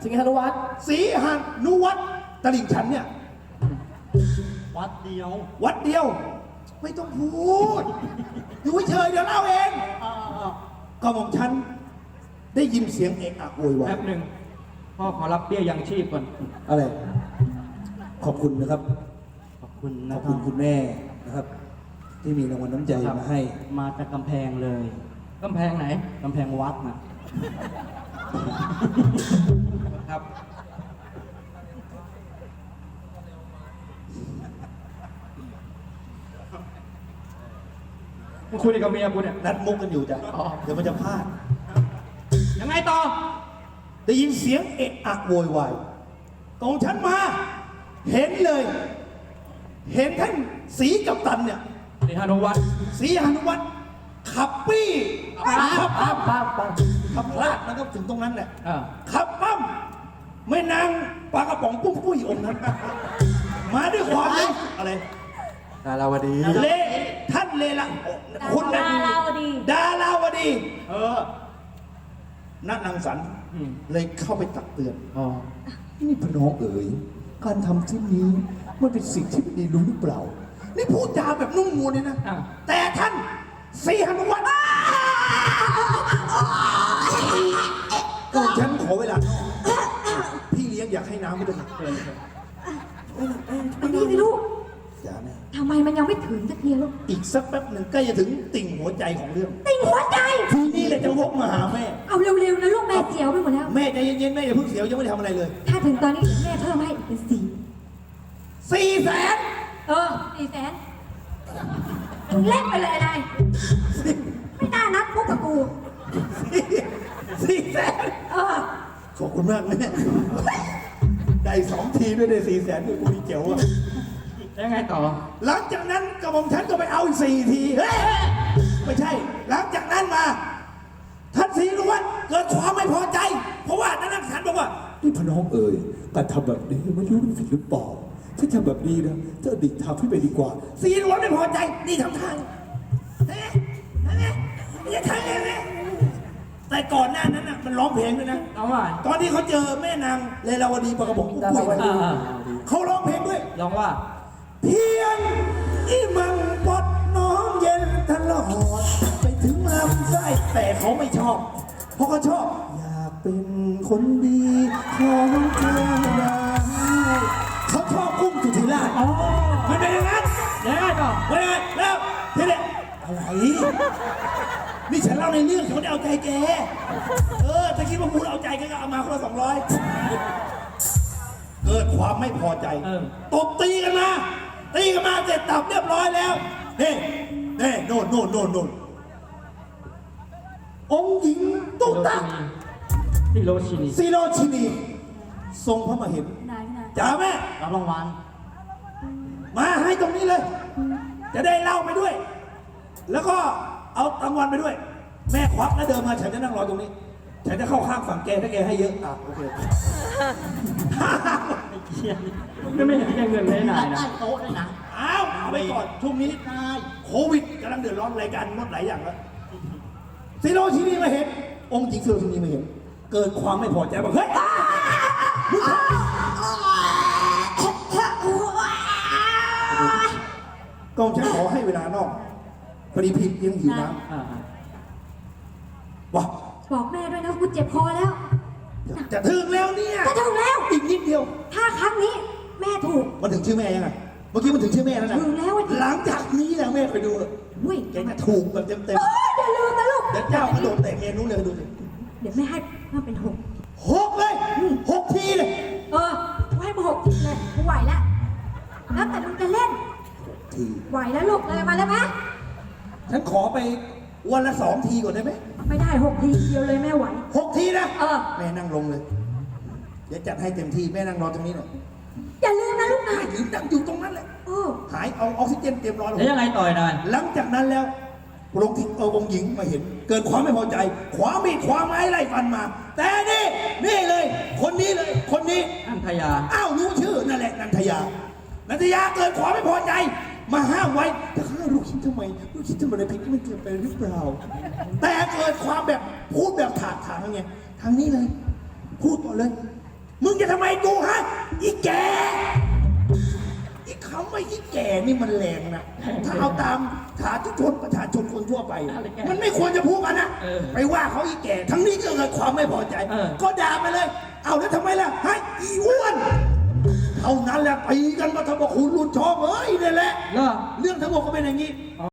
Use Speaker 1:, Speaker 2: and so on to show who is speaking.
Speaker 1: สิงหานุวัฒน์
Speaker 2: ศรีหานุวัฒน์ตลิ่งชันเนี่ย
Speaker 3: วัดเดียว
Speaker 2: วัดเดียว ไม่ต้องพูด อยู่เฉยๆเดี๋ยวเล่าเองก็ของฉันได้ยินเสียงเอะอะโวยวาย
Speaker 4: แป๊บหนึ่งพ่อขอรับเบี้ยยังชีพก่อน
Speaker 2: อะไร ขอบคุณนะครับ
Speaker 3: ขอบคุณ
Speaker 2: ข
Speaker 3: นะ
Speaker 2: อบ
Speaker 3: ค
Speaker 2: คุ
Speaker 3: รั
Speaker 2: ณ
Speaker 3: บ
Speaker 2: คุณแม่นะครับ ที่มีรางวัลน้ำใจมาให้
Speaker 3: มาจากกำแพงเลย
Speaker 4: กำแพงไหน
Speaker 3: กำแพงวัดนะ
Speaker 4: ครับมึงคุยกับเมียกูเนี่ย
Speaker 2: นัดมุกกันอยู่จ้ะเดี๋ยวมันจะพลาด
Speaker 4: ยังไงต่อ
Speaker 2: ได้ยินเสียงเอะอะโวยวายกองฉันมา เห็นเลย เห็นท่านศรีกัปตันเนี่ย
Speaker 4: สิงหานุวัฒน์
Speaker 2: ศรีหานุวัฒน์ขับปี้ขับ
Speaker 1: ปั๊บ
Speaker 2: ขับพลาดนะครับถึงตรงนั้นแหละ
Speaker 4: อ่า
Speaker 2: ขับปั้มแม่นางปลากระป๋องปุ้มปุ้ยองค์นั้น มาด้วยความอะไร
Speaker 1: ดาราวดี
Speaker 2: เลท่านเลละคุณนะ
Speaker 5: ดาราวดี
Speaker 2: ดาราวดี นักนางสรรค์
Speaker 4: อืม
Speaker 2: เลยเข้าไปตักเตือน
Speaker 4: อ๋อ
Speaker 2: นี่พน้องเอ๋ยการทำเช่นนี้มันเป็นสิ่งที่ไม่ดีรู้หรือเปล่า นี่พูดจาแบบนุ่มนวลเลยนะ
Speaker 4: อ่ะ
Speaker 2: แต่ท่านศรีหนุวัฒน์ก็ฉันขอเวลาพี่เลี้ยงอยากให้น้ำไม่ได้เกิน
Speaker 5: อันนี้สิลูก
Speaker 2: อย่าแม่
Speaker 5: ทำไมมันยังไม่ถึงสักทีลูก
Speaker 2: อีกสักแป๊บหนึ่งใกล้จะถึงติ่งหัวใจของเรื่อง
Speaker 5: ติ่งหัวใจ
Speaker 2: ทีนี้เลยจะวกมาหาแม่
Speaker 5: เอาเร็วๆนะลูกแม่เสียวไปหมดแล้ว
Speaker 2: แม่ใจเย็นๆแม่อย่าเพิ่งเสียวยังไม่ได้ทำอะไรเลย
Speaker 5: ถ้าถึงตอนนี้แม่เพิ่มให้อีกเป็น
Speaker 2: 400,000
Speaker 5: 400,000เล่นไปเลยนายไม่น่านัดพวกกับกู
Speaker 2: 400,000ขอบคุณมากแม่ได้2 ทีด้วยได้400,000ด้วยกูมีเจ๋วอะ
Speaker 4: ยังไงต่อ
Speaker 2: หลังจากนั้นกระหม่อมฉันก็ไปเอาอีก4 ทีเฮ้ยไม่ใช่ หลังจากนั้นมาท่านศรีหนุวัฒน์เกิดความไม่พอใจ เพราะว่านักนางสรรค์บอกว่านี่พน้องเอ๋ยการทำแบบนี้ไม่รู้ผิดหรือเปล่าถ้าทำแบบนี้นะจะดิกทำให้ไปดีกว่าศรีหนุวัฒน์ไม่พอใจนี่ทำทางนี่ทางนี่แต่ก่อนหน้านั้นน่ะมันร้องเพลงด้วยนะ
Speaker 4: เอาว่า
Speaker 2: ตอนที่เขาเจอแม่นางเลลาวดีปากระบอกปุ้ยเขาร้องเพลงด้วย
Speaker 4: ลองว่า
Speaker 2: เพียงอีมังปดน้องเย็นตลอดไปถึงลำไส้แต่เขาไม่ชอบ เพราะเขาชอบ อยากเป็นคนดีของเธอได้เขาชอบกุ้งสุธิราชมันเป็นอย่างนั้น
Speaker 4: ยังไงต่อ
Speaker 2: ไม่ได้แล้วทีนี้อะไรนี่ฉันเล่าในเรื่องฉันไม่ได้เอาใจแกถ้าคิดว่าพูดเอาใจแกก็เอามาคนละ200เกิดความไม่พอใจตบตีกันมาเสร็จตับเรียบร้อยแล้วนี่โน่นองค์หญิงตุ๊กตา
Speaker 4: ที่โรชินี
Speaker 2: ซีโรชินีทรงพระมเหม
Speaker 5: นายพี่นาย
Speaker 2: จ๋าแม่
Speaker 3: รับรางวัล
Speaker 2: มาให้ตรงนี้เลย จะได้เล่าไปด้วย แล้วก็เอารางวัลไปด้วย แม่ควักแล้วเดินมาฉันจะนั่งรอตรงนี้ ฉันจะเข้าข้างฝั่งแกถ้าแกให้เยอะโอเค
Speaker 4: ไม่เห็นแกเงินได้ไหนนะ
Speaker 3: ใต้โต๊ะด้วยนะ
Speaker 2: เอาไปก่อนช่วงนี้โควิดกำลังเดือดร้อนรายการงดหลายอย่างแล้วซีโรชินีมาเห็น องค์หญิงซีโรชินีมาเห็น เกิดความไม่พอใจบอกเฮ้ยกองฉันขอให้เวลานอกพอดีผิดยังหิวน้ำว้า
Speaker 5: บอกแม่ด้วยนะกูเจ็บคอแล้ว
Speaker 2: จะถึงแล้วเนี่ย
Speaker 5: จะถึงแล้ว
Speaker 2: อีกนิดเดียว
Speaker 5: ถ้าครั้งนี้แม่ถูก
Speaker 2: มันถึงชื่อแม่ยังไงเมื่อกี้มันถึงชื่อแม่แล้วนะ
Speaker 5: ถึงแล้วอะ
Speaker 2: หลังจากนี้แหละแม่ไปดูเลย
Speaker 5: อุ้ย
Speaker 2: แกจะถูกแบบเต็ม
Speaker 5: อย่าลืมนะลูก
Speaker 2: ๆเดี๋ยวเจ้ากระโดดเตะเมนูเลยดูสิ
Speaker 5: เดี๋ยวแม่ให้มาเป็น6
Speaker 2: 6 เลย 6 ทีเลย
Speaker 5: กูให้มา6ทีเลยกูไหวแล้วแล้วแต่มึงจะเล่น
Speaker 2: ที
Speaker 5: ไหวแล้วลูกเลยมาเลยไหม
Speaker 2: ฉันขอไปวันละ2 ทีก่อนได้ไหม
Speaker 5: ไม่ได้6 ทีเดียวเลยแม่ไหว
Speaker 2: 6 ทีนะ
Speaker 5: เ
Speaker 2: แม่นั่งลงเลย เดี๋ยวจัดให้เต็มที่แม่นั่งรอตรงนี้หน่อย
Speaker 5: อย่าลืมนะลูกนะ
Speaker 2: ไม่ลืมนั่งอยู่ตรงนั้นแหละ
Speaker 5: เออ
Speaker 2: หายเอาออกซิเจนเตรียมรอเลย
Speaker 4: แล้วยังไงต่อยนาย
Speaker 2: หลังจากนั้นแล้วลงที่องค์หญิงมาเห็น เกิดความไม่พอใจขวามีดขวาไม้ไล่ฟันมา แต่นี่เลย คนนี้เลยคนนี้
Speaker 4: อันธยา
Speaker 2: รู้ชื่อนั่นแหละนันทยาเกิดความไม่พอใจ มาห้ามไว้แต่ข้าลูกคิดทำไมลูกคิดทำไมในเพลงนี้มันเกิดไปหรือเปล่า แต่เกิดความแบบพูดแบบถากถางไงทางนี้เลย พูดก่อนเลยงจะทำไมกูฮะอีแกอีคำว่าอีแกนี่มันแรงนะถ้าเอาตามฐานชนประชาชนคนทั่วไป มันไม่ควรจะพูดกันนะไปว่าเขาอีแกทั้งนี้ก็เกิดความไม่พอใจ ก็ด่าไปเลย เอาแล้วทำไมล่ะให้อีอ้วนเท่านั้นแหละตีกันมาทำกับคุณรุ่นชอบเอ้ยนี่แหละ
Speaker 4: เหรอ
Speaker 2: เรื่องทั้งหมดก็เป็นอย่างนี้